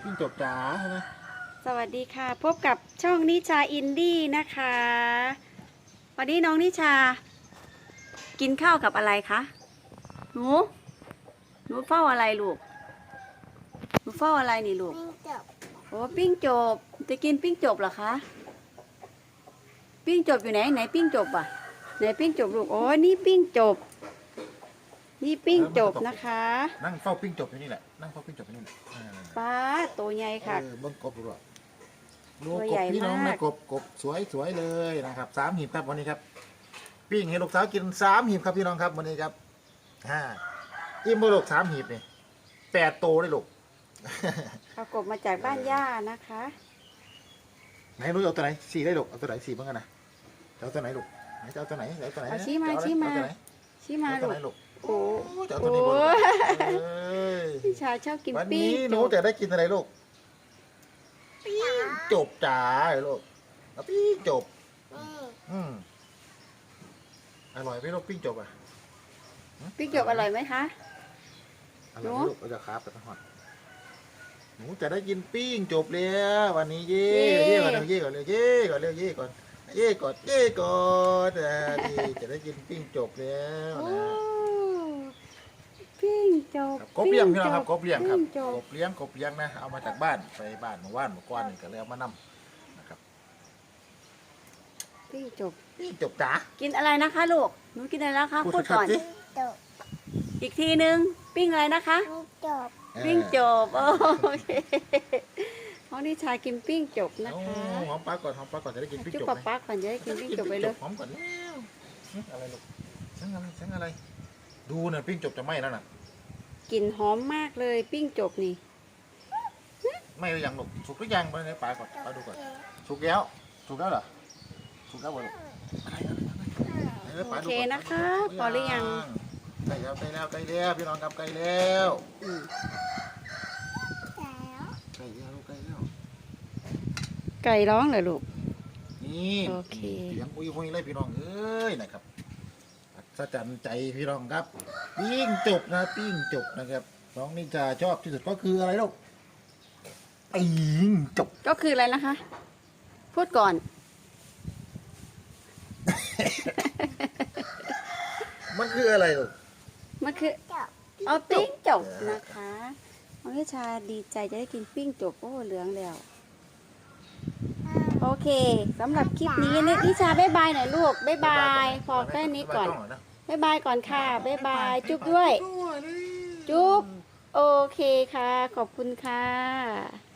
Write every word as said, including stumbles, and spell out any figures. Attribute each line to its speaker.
Speaker 1: ยิ่งจบจ๋าใช่ไหม
Speaker 2: สวัสดีค่ะพบกับช่องนิชาอินดี้นะคะวันนี้น้องนิชา กินข้าวกับอะไรคะหนูหนูเฝ้าอะไรลูกหนูเฝ้าอะไรนี่ลูก
Speaker 3: ปิ้งจบ
Speaker 2: โอ้ปิ้งจบจะกินปิ้งจบเหรอคะปิ้งจบอยู่ไหนไหนปิ้งจบอ่ะไหนปิ้งจบลูกโอ้นี่ปิ้งจบนี่ปิ้งจบนะคะ
Speaker 1: นั่งเฝ้าปิ้งจบอยู่นี่แหละนั่งเฝ้าปิ้งจบอยู่นี่แหละ
Speaker 2: ป้าตัวใหญ่ค่ะ
Speaker 1: เบิ้งกบดูอ่ะดูกบพี่น้องนะกบกบสวยสวยเลยนะครับสามหีบครับวันนี้ครับปิ้งให้ลูกสาวกินสามหีบครับพี่น้องครับวันนี้ครับฮ่าอิ่มบุลูกสามหีบนี่แปดโตได้ลูก
Speaker 2: เอากบมาจากบ้านย่านะคะ
Speaker 1: ไหนลูกเอาตัวไหนสี่ได้ลูกเอาตัวไหนสี่บ้างกันนะเอาตัวไหนลูกไหนจะเอาตัวไหนเอาตัวไหน
Speaker 2: เอาชี้มาชี้มาชี้มาลูกโอ้
Speaker 1: จะเอาตัวนี้บ่
Speaker 2: พี่ชายชอบกิน
Speaker 1: วัน
Speaker 2: ปิ้ง
Speaker 1: นี้หนูจะได้กินอะไรลูกปิ้งจบจ๋าลูกปิ้งจบอืมอร่อยไหมลูกปิ้งจบอ่ะ
Speaker 2: ปิ้งจบอร่อยไหมคะ
Speaker 1: อร่อยลูกเราจะคราบไปทั้งหมดหนูจะได้กินปิ้งจบแล้ววันนี้เย่เย่ก่อนเย่ก่อนเลยเย่ก่อนเร็วเย่ก่อนเย่ก่อนเย่ก่อนดีจะได้กินปิ้งจบแล้วนะ
Speaker 2: ปิ้งจบ
Speaker 1: กบเลี้ยงพี่น้องครับกบเลี้ยงครับกบเลี้ยงกบเลี้ยงนะเอามาจากบ้านไปบ้านเมื่อวานเมื่อก่อนนี่ก็เลยเอามานำนะครับ
Speaker 2: ปิ้งจบ
Speaker 1: ปิ้งจบจ๋า
Speaker 2: กินอะไรนะคะลูกหนูกินอะไรแล้วคะพูดก่อน
Speaker 3: จบ
Speaker 2: อีกทีนึงปิ้งอะไรนะคะ
Speaker 3: ปิ้งจบ
Speaker 2: ปิ้งจบโอเคน้องนิชากินปิ้งจบนะคะ
Speaker 1: หอมปลาก่อนหอมปลาก่อนจะได้กินปิ้งจบ
Speaker 2: จุ๊บปลาก่อนจะได้กินปิ้งจบไปเลย
Speaker 1: หอมก่อนแล้วอะไรลูกช่างอะไรช่างอะไรดูเนี่ยปิ้งจบจะไหม้แล้วน่ะ
Speaker 2: กลิ่นหอมมากเลยปิ้งจบนี่
Speaker 1: ไม่หรือยังลูกสุกหรือยังไปเลยปลาก่อนปลาดูก่อนสุกแล้วสุกแล้วเหรอสุกแล้วเหรอ
Speaker 2: โอเคนะคะพอหรือยัง
Speaker 1: ใกล้แล้วใกล้แล้วใกล้แล้วพี่น้องครับใกล้แล้วใกล้แล้วใกล้แล้ว
Speaker 2: ไก่ร้องเหรอลูก
Speaker 1: นี่โอเคเสียงอุ้ยอุ้ยเลยพี่น้องเอ้ยนะครับสะใจใจพี่น้องครับปิ้งจบนะปิ้งจบนะครับน้องนิชาชอบที่สุดก็คืออะไรลูกปิ้งจบ
Speaker 2: ก็คืออะไรนะคะพูดก่อน
Speaker 1: มันคืออะไรลูก
Speaker 2: มันคือเอาปิ้งจบนะคะน้องนิชาดีใจจะได้กินปิ้งจบโอ้เหลืองแล้วโอเคสำหรับคลิปนี้นิชาบ๊ายบายหน่อยลูกบ๊ายบายพอแค่นี้ก่อนบ๊ายบายก่อนค่ะบ๊ายบายจุ๊บด้วยจุ๊บโอเคค่ะขอบคุณค่ะ